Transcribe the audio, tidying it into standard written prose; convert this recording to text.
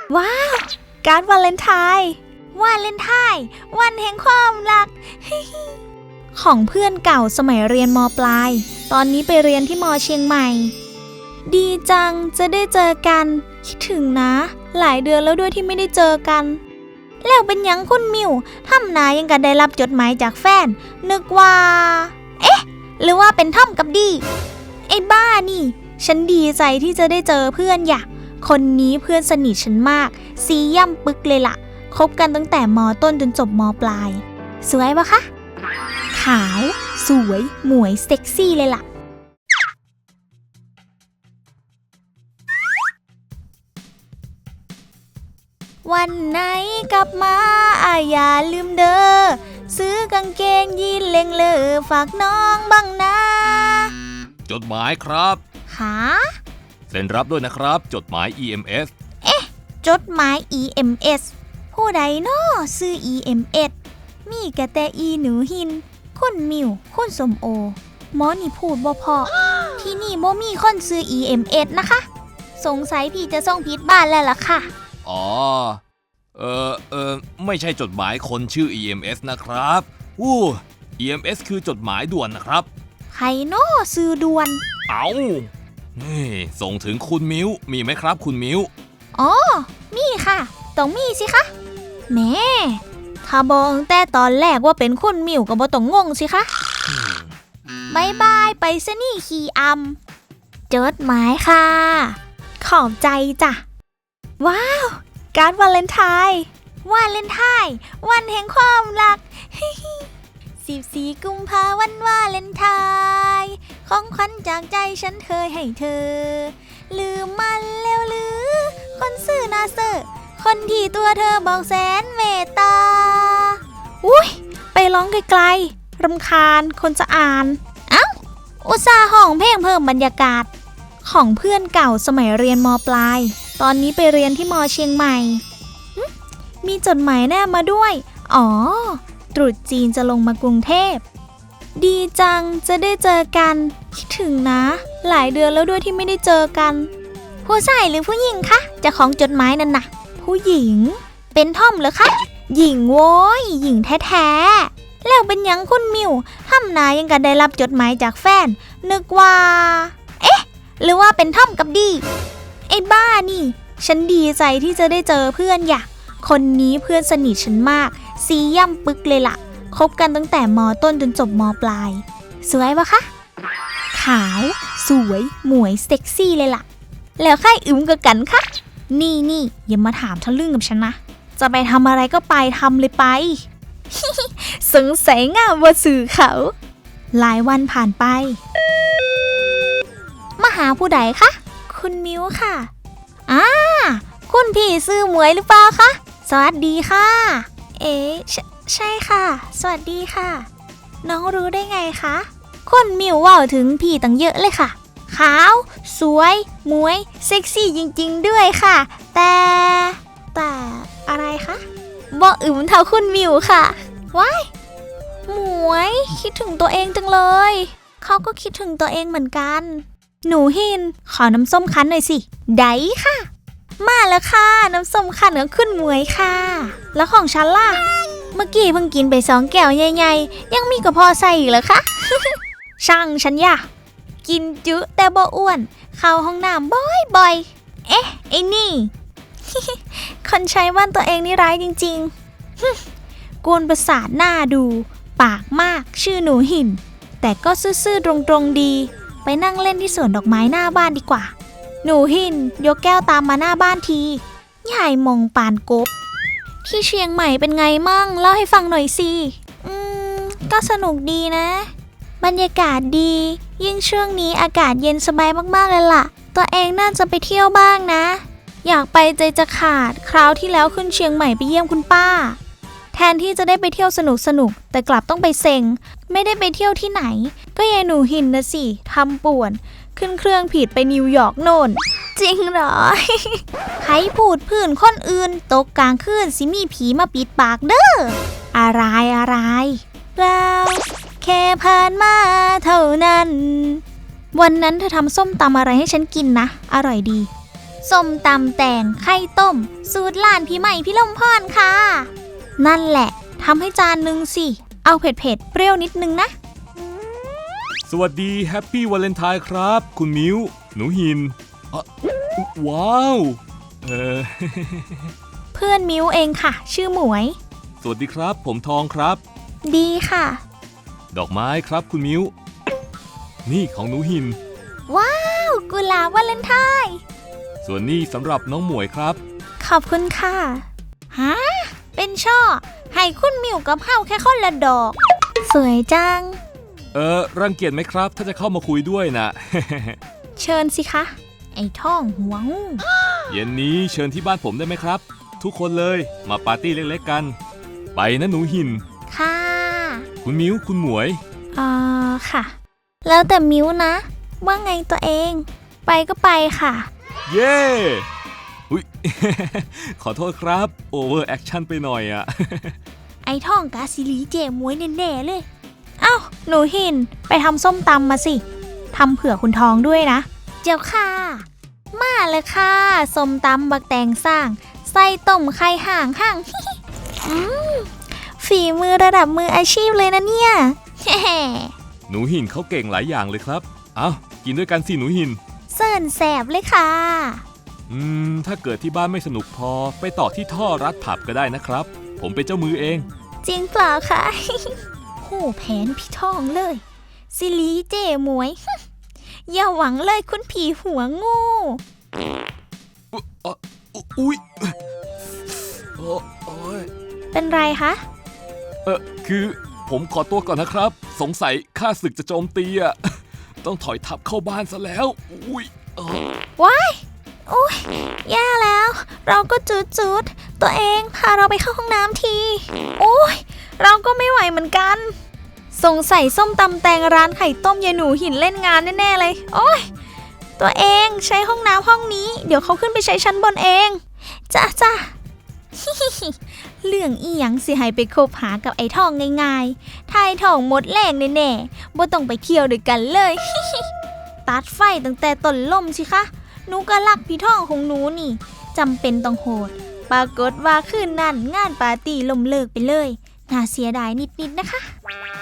ว้าวการ์ดวาเลนไทน์วันแห่งความรัก ของเพื่อนเก่าสมัยเรียนม.ปลายตอนนี้ไปเรียนที่ม.เชียงใหม่ดีจังจะได้เจอกันคิดถึงนะหลายเดือนแล้วด้วยที่ไม่ได้เจอกันแล้วเป็นยังคุณมิวทำนายังกันได้รับจดหมายจากแฟนนึกว่าหรือว่าเป็นท่อมกับดีไอ้บ้านี่ฉันดีใจที่จะได้เจอเพื่อนอยากคนนี้เพื่อนสนิทฉันมากซีย่ำปึกเลยล่ะคบกันตั้งแต่ม.ต้นจนจบม.ปลายสวยปะคะขาวสวยหมวยเซ็กซี่เลยล่ะวันไหนกลับมาอย่าลืมเด้อซื้อกางเกงยีนเล็งเลอฝากน้องบ้างนะจดหมายครับหาเซ็นรับด้วยนะครับจดหมาย EMS จดหมาย EMS ผู้ใดน้อซื้อ EMS มีกะแต่อีหนูหินคุณมิวคุณสมโอหมอนี่พูดบ่พอ ที่นี่บ่มีคนซื้อ EMS นะคะสงสัยพี่จะส่งผิดบ้านแล้วล่ะค่ะอ๋อไม่ใช่จดหมายคนชื่อ EMS นะครับEMS คือจดหมายด่วนนะครับใครน้อซื้อด่วนนี่ส่งถึงคุณมิวมีไหมครับคุณมิวอ๋อมีค่ะต้องมีสิคะแม่ถ้าบอกแต่ตอนแรกว่าเป็นคุณมิวก็บ่ต้องงงสิคะบายบายไปซะนี่ขี้อำจดหมายค่ะขอบใจจ้ะว้าวการ์ดวาเลนไทน์วันแห่งความรัก 14 กุมภาพันธ์วันวาเลนไทน์ของขวัญจากใจฉันเคยให้เธอลืมมันแล้วหรือคนซื่อนาเซอร์คนที่ตัวเธอบอกแสนเมตตาอุ้ยไปร้องไกลๆรำคาญคนจะอ่านอุตส่าห์ห้องเพลงเพิ่มบรรยากาศของเพื่อนเก่าสมัยเรียนม.ปลายตอนนี้ไปเรียนที่ม.เชียงใหม่มีจดหมายแนบมาด้วยตรุษจีนจะลงมากรุงเทพดีจังจะได้เจอกันคิดถึงนะหลายเดือนแล้วด้วยที่ไม่ได้เจอกันผู้ชายหรือผู้หญิงคะเจ้าของจดหมายนั่นน่ะผู้หญิงเป็นท่อมเหรอคะหญิงโว้ยหญิงแท้ๆแล้วเป็นยังคุณมิวทำนายังกันได้รับจดหมายจากแฟนนึกว่าหรือว่าเป็นท่อมกับดีไอ้บ้านี่ฉันดีใจที่จะได้เจอเพื่อนอยากคนนี้เพื่อนสนิทฉันมากซีย่ำปึกเลยล่ะคบกันตั้งแต่ม.ต้นจนจบม.ปลายสวยปะคะขาวสวยหมวยเซ็กซี่เลยล่ะแล้วใครอึมกับกันคะนี่อย่ามาถามทะลึ่งกับฉันนะจะไปทำอะไรก็ไปทำเลยไป สงสัยงามว่าสื่อเขาหลายวันผ่านไปมาหาผู้ใดคะคุณมิวค่ะคุณพี่ซื้อหมวยหรือเปล่าคะสวัสดีค่ะใช่ค่ะสวัสดีค่ะน้องรู้ได้ไงคะคุณมิวว่าถึงพี่ตั้งเยอะเลยค่ะขาวสวยหมวยเซ็กซี่จริงๆด้วยค่ะแต่อะไรคะบ่อึมเท่าคุณมิวค่ะว้ายหมวยคิดถึงตัวเองจังเลยเขาก็คิดถึงตัวเองเหมือนกันหนูหินขอน้ำส้มคั้นหน่อยสิได้ค่ะมาแล้วค่ะน้ำส้มคั้นของคุณหมวยค่ะแล้วของฉันล่ะเมื่อกี้เพิ่งกินไป2 แก้วใหญ่ๆยังมีกระเพาะใส่อีกเหรอคะ ช่างฉันอย่ากินจุแต่บ่อ้วนเข้าห้องน้ำบ่อยไอ้นี่ คนใช้บ้านตัวเองนี่ร้ายจริงๆ กวนประสาทหน้าดูปากมากชื่อหนูหินแต่ก็ซื่อๆตรงๆดีไปนั่งเล่นที่สวนดอกไม้หน้าบ้านดีกว่าหนูหินยกแก้วตามมาหน้าบ้านทียายมองปานกบที่เชียงใหม่เป็นไงมั่งเล่าให้ฟังหน่อยสิก็สนุกดีนะบรรยากาศดียิ่งช่วงนี้อากาศเย็นสบายมากๆเลยล่ะตัวเองน่าจะไปเที่ยวบ้างนะอยากไปใจจะขาดคราวที่แล้วขึ้นเชียงใหม่ไปเยี่ยมคุณป้าแทนที่จะได้ไปเที่ยวสนุกแต่กลับต้องไปเซ็งไม่ได้ไปเที่ยวที่ไหนก็ยายหนูหินนะสิทำป่วนขึ้นเครื่องผิดไปนิวยอร์กโน่นจริงเหรอ ใครพูดผื่นคนอื่นตกกลางคืนสิมีผีมาปิดปากเด้ออะไรเราแค่ผ่านมาเท่านั้นวันนั้นเธอทำส้มตำอะไรให้ฉันกินนะอร่อยดีส้มตำแตงไข่ต้ม สูตรร้านพี่ใหม่พี่ลมพรค่ะ นั่นแหละทำให้จานหนึ่งสิ เอาเผ็ดๆเปรี้ยวนิดนึงนะสวัสดีแฮปปี้วาเลนไทน์ครับ คุณมิ้ว หนูหินว้าวเพื่อนมิ้วเองค่ะ ชื่อหมวยสวัสดีครับผมทองครับดีค่ะดอกไม้ครับคุณมิ้ว นี่ของหนูหินว้าวกุหลาบวาเลนไทน์ส่วนนี้สำหรับน้องหมวยครับขอบคุณค่ะฮะเป็นช่อ ให้คุณมิวกับเฮาแค่คนละดอก สวยจังรังเกียจไหมครับ ถ้าจะเข้ามาคุยด้วยนะเชิญสิคะ ไอ้ท่องหัวงูเย็นนี้เชิญที่บ้านผมได้ไหมครับ ทุกคนเลยมาปาร์ตี้เล็กๆกัน ไปนะหนูหินค่ะคุณมิ้วคุณหมวยค่ะ แล้วแต่มิวนะ ว่าไงตัวเอง ไปก็ไปค่ะเย้อุ๊ย ขอโทษครับโอเวอร์แอคชั่นไปหน่อยอะไอ้ท่องกาซิลีเจมวยแน่ๆเลย เอ้า หนูหิน ไปทำส้มตำมาสิ ทำเผื่อคุณทองด้วยนะ เจ้าค่ะ มาเลยค่ะ ส้มตำบักแตงสร้าง ไส้ต้มไข่ห่าง ฝีมือระดับมืออาชีพเลยนะเนี่ยหนูหินเขาเก่งหลายอย่างเลยครับ เอากินด้วยกันสิหนูหินเสิร์นแสบเลยค่ะถ้าเกิดที่บ้านไม่สนุกพอไปต่อที่ท่อรัดผับก็ได้นะครับ ผมเป็นเจ้ามือเองจริงเปล่าคะ หูแผนพี่ทองเลยซิลีเจหมวย อย่าหวังเลยคุณผีหัวงูอุ๊ยโอ้ยเป็นไรคะคือผมขอตัวก่อนนะครับ สงสัยข้าศึกจะโจมตีอ่ะ ต้องถอยทับเข้าบ้านซะแล้ว อุ๊ยว้ายโอ้ยแย่แล้ว เราก็จุดตัวเองพาเราไปเข้าห้องน้ำที โอ้ยเราก็ไม่ไหวเหมือนกัน สงสัยส้มตำแตงร้านไข่ต้มยายหนูหินเล่นงานแน่ๆเลย โอ้ยตัวเองใช้ห้องน้ำห้องนี้ เดี๋ยวเขาขึ้นไปใช้ชั้นบนเองจ้า เรื่องอีหยังสิให้ไปคบหากับไอ้ทองง่ายๆถ้าไอ้ทองหมดแรงแน่ๆบ่ต้องไปเที่ยวด้วยกันเลย ตัดไฟตั้งแต่ต้นลมสิคะหนูก็รักพี่ทองของหนูนี่จำเป็นต้องโหดปรากฏว่าคืนนั้นงานปาร์ตี้ล่มเลิกไปเลยน่าเสียดายนิดๆนะคะ